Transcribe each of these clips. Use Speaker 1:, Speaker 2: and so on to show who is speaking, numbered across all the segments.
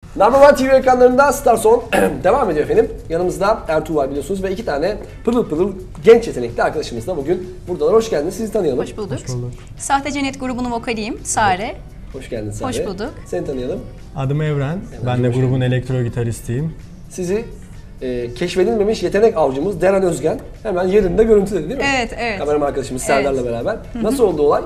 Speaker 1: Number One TV ekranlarında Star Son devam ediyor efendim. Yanımızda Ertuğ var biliyorsunuz ve iki tane pırıl pırıl genç yetenekli arkadaşımız da bugün buradalar. Hoş geldiniz, sizi tanıyalım.
Speaker 2: Hoş bulduk. Sahte Cennet grubunun vokaliyim, Sare.
Speaker 1: Hoş geldin Sare.
Speaker 2: Hoş bulduk.
Speaker 1: Seni tanıyalım.
Speaker 3: Adım Evren. Ben de grubun elektro gitaristiyim.
Speaker 1: Sizi keşfedilmemiş yetenek avcımız Deren Özgen hemen yerinde görüntüledi değil mi?
Speaker 2: Evet, evet.
Speaker 1: Kameraman arkadaşımız Serdar'la beraber. Nasıl oldu olay?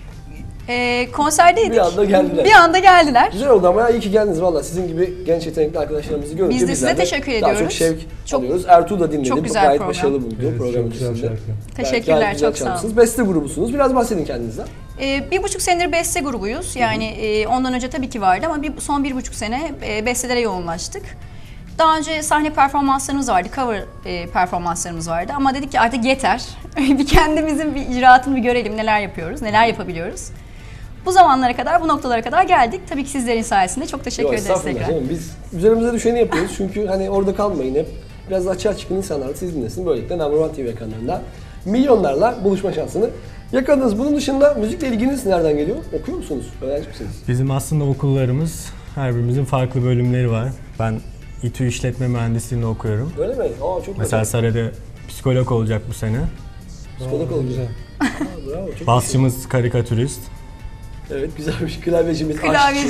Speaker 2: Konserdeydik.
Speaker 1: Bir anda geldiler.
Speaker 2: Bir anda geldiler.
Speaker 1: Güzel oldu ama ya, iyi ki geldiniz valla. Sizin gibi genç yetenekli arkadaşlarımızı görünce
Speaker 2: Biz de
Speaker 1: bizler
Speaker 2: size teşekkür
Speaker 1: daha
Speaker 2: ediyoruz.
Speaker 1: çok şevk
Speaker 2: Çok-
Speaker 1: alıyoruz. Ertuğ da dinledi.
Speaker 2: çok güzel
Speaker 1: Gayet
Speaker 2: program.
Speaker 1: başarılı buldu program
Speaker 4: çok güzel
Speaker 1: içerisinde.
Speaker 4: şarkı.
Speaker 2: Teşekkürler,
Speaker 1: Gayet güzel
Speaker 2: çok sağ olun.
Speaker 1: çalmışsınız. Beste grubusunuz. Biraz bahsedin kendinizden.
Speaker 2: 1,5 senedir beste grubuyuz. Yani ondan önce tabii ki vardı ama son 1,5 sene bestelere yoğunlaştık. Daha önce sahne performanslarımız vardı, cover performanslarımız vardı ama dedik ki artık yeter. Bir kendimizin bir icraatını bir görelim, neler yapıyoruz, neler yapabiliyoruz. Bu zamanlara kadar, bu noktalara kadar geldik. Tabii ki sizlerin sayesinde çok teşekkür ederiz
Speaker 1: Estağfurullah
Speaker 2: tekrar.
Speaker 1: canım. Biz üzerimize düşeni yapıyoruz çünkü hani orada kalmayın hep. Biraz da açığa çıkın, insanlar da siz dinlesin. Böylelikle Number One TV ekranlarında milyonlarla buluşma şansını yakaladınız. Bunun dışında müzikle ilginiz nereden geliyor? Okuyor musunuz? Öğrenci misiniz?
Speaker 3: Bizim aslında okullarımız, her birimizin farklı bölümleri var. Ben İTÜ İşletme Mühendisliğini okuyorum.
Speaker 1: Öyle mi? Aa çok
Speaker 3: Mesela
Speaker 1: güzel.
Speaker 3: Sare'de psikolog olacak bu sene.
Speaker 1: Psikolog oldu.
Speaker 4: Güzel.
Speaker 1: Aa, bravo. Çok
Speaker 3: Basçımız karikatürist.
Speaker 1: Evet güzelmiş. Klavyecimiz
Speaker 2: Klavyeci,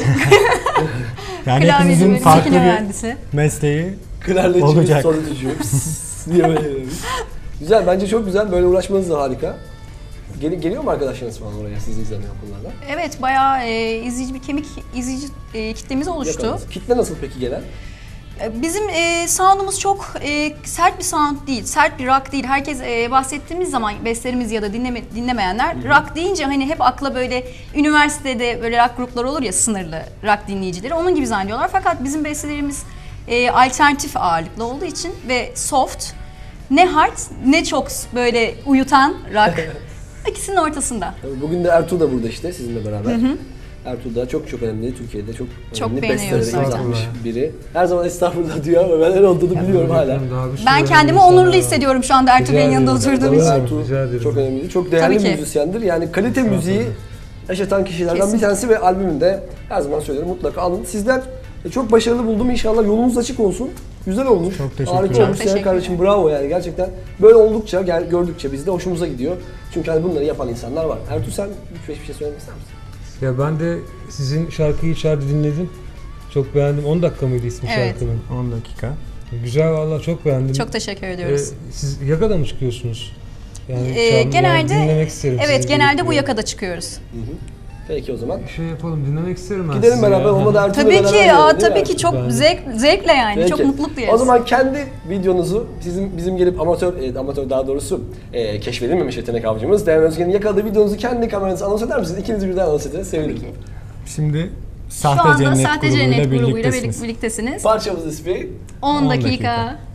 Speaker 3: Yani
Speaker 2: klavyeci
Speaker 3: hepimizin
Speaker 2: bölümü,
Speaker 3: farklı
Speaker 2: makine
Speaker 3: bir
Speaker 2: mühendisi.
Speaker 3: mesleği.
Speaker 1: Klarnetçimiz,
Speaker 3: Olacak.
Speaker 1: solitucu. diye böyle demiş. Güzel, bence çok güzel. Böyle uğraşmanız da harika. Geliyor mu arkadaşlarınız falan oraya sizi izlemeye okullarda?
Speaker 2: Evet, bayağı izleyici bir izleyici kitlemiz oluştu.
Speaker 1: Yakaladınız. Kitle nasıl peki gelen?
Speaker 2: Bizim sound'umuz çok sert bir sound değil, sert bir rock değil. Herkes bahsettiğimiz zaman bestlerimiz ya da dinlemeyenler rock deyince hani hep akla böyle üniversitede böyle rock grupları olur ya, sınırlı rock dinleyicileri, onun gibi zannediyorlar. Fakat bizim bestelerimiz alternatif ağırlıklı olduğu için ve soft, ne hard ne çok böyle uyutan rock. İkisinin ortasında.
Speaker 1: Tabii bugün de Ertuğ da burada işte sizinle beraber. Ertuğ da çok önemli, Türkiye'de çok önemli
Speaker 2: beğeniyoruz
Speaker 1: bestelere
Speaker 2: zaten.
Speaker 1: imzalamış biri. Her zaman estağfurullah diyor ama ben öyle olduğunu biliyorum hala.
Speaker 4: Daha bir sürü
Speaker 2: Ben kendimi
Speaker 4: önemli
Speaker 2: onurlu
Speaker 4: insanlar var.
Speaker 2: hissediyorum şu anda Ertuğ Bey'in yanında
Speaker 4: ederim.
Speaker 2: oturduğum
Speaker 4: Tabii.
Speaker 2: için.
Speaker 1: Ertuğ
Speaker 4: Rica ederim.
Speaker 1: çok önemli, çok değerli
Speaker 2: Tabii ki.
Speaker 1: müzisyendir. Yani kalite müziği yaşatan kişilerden bir
Speaker 2: Kesinlikle.
Speaker 1: tanesi ve albümünde her zaman söylüyorum mutlaka alın. Sizler çok başarılı buldum. İnşallah yolunuz açık olsun. Güzel olmuş.
Speaker 3: Çok teşekkürler.
Speaker 1: Harika
Speaker 3: Çok
Speaker 1: olmuş. Senin
Speaker 2: teşekkürler.
Speaker 1: kardeşim bravo yani gerçekten. Böyle oldukça, gördükçe biz de hoşumuza gidiyor. Çünkü hani bunları yapan insanlar var. Ertuğ sen bir şey söylemek ister misin?
Speaker 4: Ya ben de sizin şarkıyı içeride dinledim. Çok beğendim. 10 dakika mıydı ismi
Speaker 2: Evet.
Speaker 4: şarkının?
Speaker 3: 10 dakika.
Speaker 4: Güzel vallahi çok beğendim.
Speaker 2: Çok teşekkür ediyoruz.
Speaker 4: Siz yakada mı çıkıyorsunuz? Yani
Speaker 2: Genelde
Speaker 4: dinlemek isterim.
Speaker 2: evet,
Speaker 4: sizi.
Speaker 2: genelde bu yakada çıkıyoruz.
Speaker 1: Peki o zaman.
Speaker 4: Bir şey yapalım, dinlemek isterim ben
Speaker 1: Gidelim
Speaker 4: sizi
Speaker 1: beraber
Speaker 4: ya.
Speaker 1: olmadı Ertuğ'la
Speaker 2: Tabii
Speaker 1: beraber
Speaker 2: ki,
Speaker 1: gidelim, değil mi
Speaker 2: tabii
Speaker 1: Ertuğ?
Speaker 2: ki çok
Speaker 4: Ben-
Speaker 2: zevkle yani.
Speaker 1: Peki.
Speaker 2: Çok mutluluk duyarız.
Speaker 1: O zaman kendi videonuzu bizim gelip amatör daha doğrusu keşfedilmemiş yetenek avcımız Deren Özgen'in yakaladığı videonuzu kendi kameranızı anons eder misiniz? İkiniz birden anons edin. Sevinirim.
Speaker 3: Şimdi
Speaker 2: Şu
Speaker 3: Sahte
Speaker 2: anda
Speaker 3: Cennet
Speaker 2: Sahte
Speaker 3: grubuyla
Speaker 2: Cennet grubuyla
Speaker 3: birliktesiniz.
Speaker 2: birliktesiniz.
Speaker 1: Parçamız ismi
Speaker 2: 10
Speaker 3: 10
Speaker 2: dakika.
Speaker 3: dakika.